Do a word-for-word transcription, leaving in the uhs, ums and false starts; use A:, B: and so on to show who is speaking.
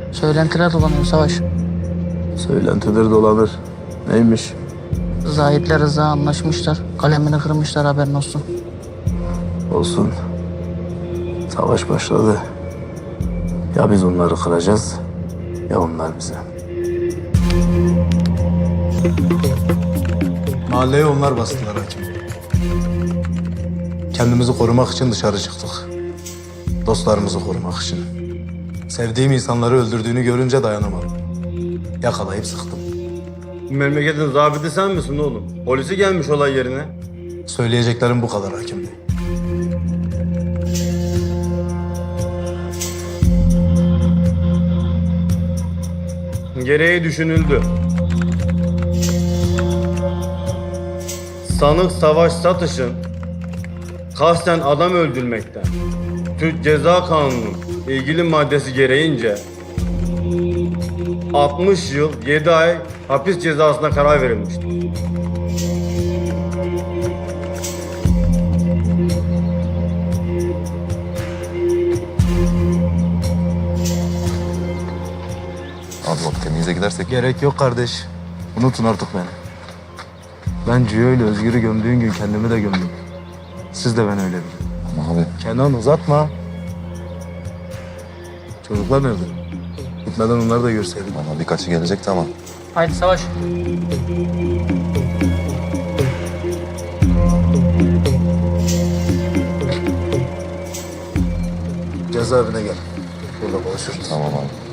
A: Söylentiler dolanıyor Savaş.
B: Söylentidir dolanır. Neymiş?
A: Zahit'le Rıza anlaşmışlar. Kalemini kırmışlar, haberin olsun.
B: Olsun. Savaş başladı. Ya biz onları kıracağız ya onlar bize.
C: Mahalleyi onlar bastılar hakim. Kendimizi korumak için dışarı çıktık. Dostlarımızı korumak için. Sevdiğim insanları öldürdüğünü görünce dayanamadım. Yakalayıp sıktım.
D: Bu memleketin zabiti sen misin oğlum? Polisi gelmiş olay yerine.
C: Söyleyeceklerim bu kadar hakim bey.
D: Gereği düşünüldü. Sanık Savaş Satış'ın kasten adam öldürmekten Türk Ceza Kanunu'nun ilgili maddesi gereğince altmış yıl yedi ay hapis cezasına karar verilmiştir.
E: Abi bak temize gidersek
C: Gerek yok kardeş. Unutun artık beni. Ben Ciyo ile Özgür'ü gömdüğün gün kendimi de gömdüm. Siz de ben öyle bilin.
E: ama abi
C: Kenan uzatma. Çocuklar nerede? Gitmeden onları da görseydim.
E: bana birkaçı gelecekti ama
A: Haydi Savaş.
C: Cezaevine gel. Burada konuşuruz.
E: tamam abi.